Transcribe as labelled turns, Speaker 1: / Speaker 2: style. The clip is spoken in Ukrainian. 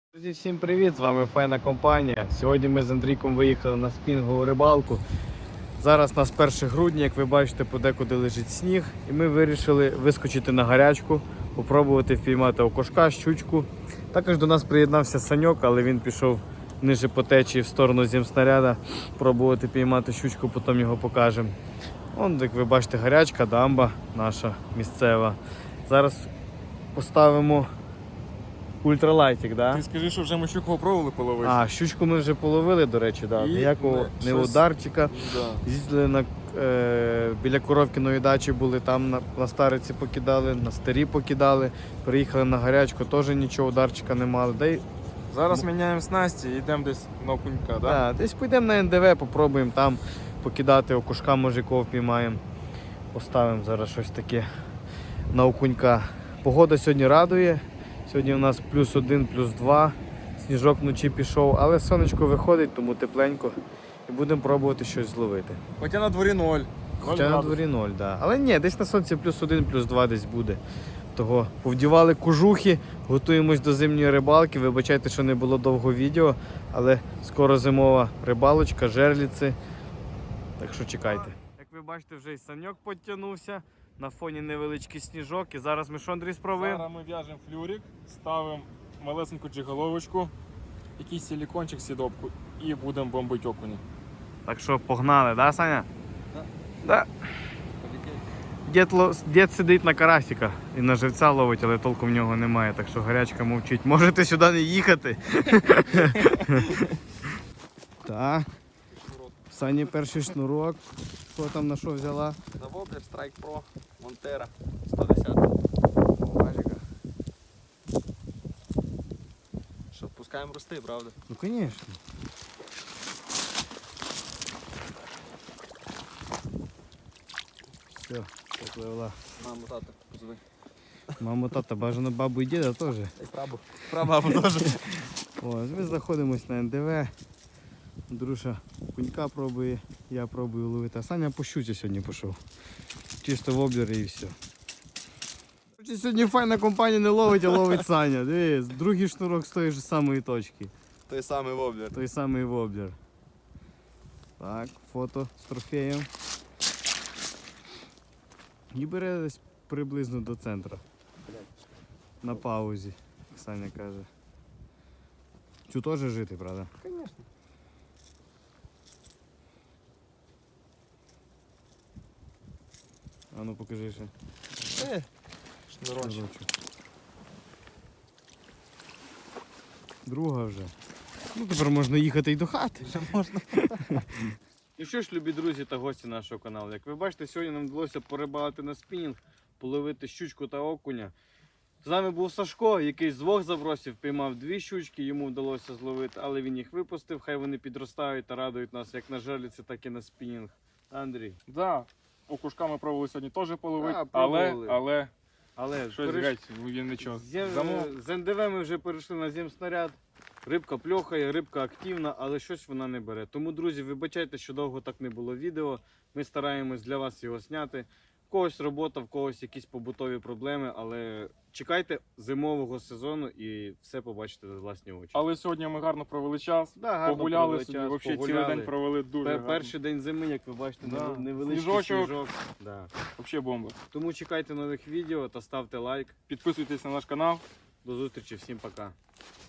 Speaker 1: Друзі, всім привіт! З вами файна компанія. Сьогодні ми з Андрійком виїхали на спінінгову рибалку. Зараз у нас 1 грудня, як ви бачите, подекуди лежить сніг. І ми вирішили вискочити на гарячку, попробувати впіймати окушка, щучку. Також до нас приєднався Саньок, але він пішов ниже по течії в сторону зімснаряда, пробувати піймати щучку, потім його покажемо. Вон, як ви бачите, гарячка, дамба наша місцева. Зараз поставимо ультралайтик, да?
Speaker 2: Ти скажи, що вже ми щуку пробували половити.
Speaker 1: А, щучку ми вже половили, до речі, да. Ніякого не ударчика.
Speaker 2: Да.
Speaker 1: Їздили біля Коровкіної дачі, були там на стариці покидали, на старі покидали. Приїхали на гарячку, теж нічого ударчика не мали.
Speaker 2: Зараз міняємо снасті і йдемо десь на окунька, так?
Speaker 1: Да, десь підемо на НДВ, попробуємо там покидати окушка, може кого впіймаємо. Поставимо зараз щось таке на окунька. Погода сьогодні радує. Сьогодні у нас +1, +2, сніжок вночі пішов, але сонечко виходить, тому тепленько. І будемо пробувати щось зловити.
Speaker 2: Хоча на дворі 0.
Speaker 1: Хоча на дворі 0, да. Але ні, десь на сонці +1, +2 десь буде. Того повдівали кожухи, готуємось до зимньої рибалки. Вибачайте, що не було довго відео, але скоро зимова рибалочка, жерліці. Так що чекайте. Як ви бачите, вже і Саньок підтягнувся. На фоні невеличкий сніжок. І зараз ми що, Андрій, спробуємо?
Speaker 2: Зараз ми в'яжемо флюрик, ставимо малесеньку джиголовочку, якийсь силікончик, сідопку і будемо бомбити окуні.
Speaker 1: Так що погнали, да, Саня? Да. Дід сидить на карасика і на живця ловить, але толку в нього немає, так що гарячка мовчить. Можете сюди не їхати. Так. Сані перший шнурок. Що там на що взяла?
Speaker 3: На Воблер Strike Pro Montera 110.
Speaker 1: Бажика.
Speaker 3: Що, пускаємо рости, правда?
Speaker 1: Ну, звісно. Все, попливла.
Speaker 3: Маму, тата, позови.
Speaker 1: Мама, тата, бажано бабу і діда теж.
Speaker 3: Дай прабу.
Speaker 2: Прабабу теж.
Speaker 1: Ось, ми знаходимось на НДВ. Друша кунька пробує, я пробую ловити. А Саня по щуці сьогодні пішов. Чисто в облері і все. Сьогодні файна компанія не ловить, а ловить Саня. Дивись, другий шнурок з тої ж самої точки.
Speaker 3: Той самий Воблер.
Speaker 1: Той самий воблер. Так, фото з трофеєм. І бере десь приблизно до центру. На паузі, як Саня каже. Цю теж жити, правда?
Speaker 3: Звісно.
Speaker 1: А ну покажи ще.
Speaker 3: Шнурочок.
Speaker 1: Шнурочок. Друга вже. Ну тепер можна їхати й до хати.
Speaker 3: Вже можна.
Speaker 1: І що ж, любі друзі та гості нашого каналу. Як ви бачите, сьогодні нам вдалося порибалити на спінінг, половити щучку та окуня. З нами був Сашко, який з 2 забросів піймав 2 щучки, йому вдалося зловити, але він їх випустив, хай вони підростають та радують нас як на жерліці, так і на спінінг. Андрій.
Speaker 2: Да. Окушка ми пробували сьогодні теж половити,
Speaker 1: Да, пробували.
Speaker 2: але щось
Speaker 1: переш-
Speaker 2: геть, він нічого.
Speaker 1: З НДВ ми вже перейшли на зімснаряд. Рибка пльохає, рибка активна, але щось вона не бере. Тому, друзі, вибачайте, що довго так не було відео. Ми стараємось для вас його зняти. В когось робота, в когось якісь побутові проблеми, але чекайте зимового сезону і все побачите за власні очі.
Speaker 2: Але сьогодні ми гарно провели час,
Speaker 1: Да, гарно
Speaker 2: погуляли
Speaker 1: провели
Speaker 2: собі,
Speaker 1: час,
Speaker 2: взагалі
Speaker 1: погуляли.
Speaker 2: цілий день провели дуже гарно.
Speaker 1: Перший день зими, як ви бачите,
Speaker 2: Да.
Speaker 1: невеличкий
Speaker 2: Сніжочок.
Speaker 1: сніжок. Да.
Speaker 2: Взагалі бомба.
Speaker 1: Тому чекайте нових відео та ставте лайк.
Speaker 2: Підписуйтесь на наш канал.
Speaker 1: До зустрічі, всім пока.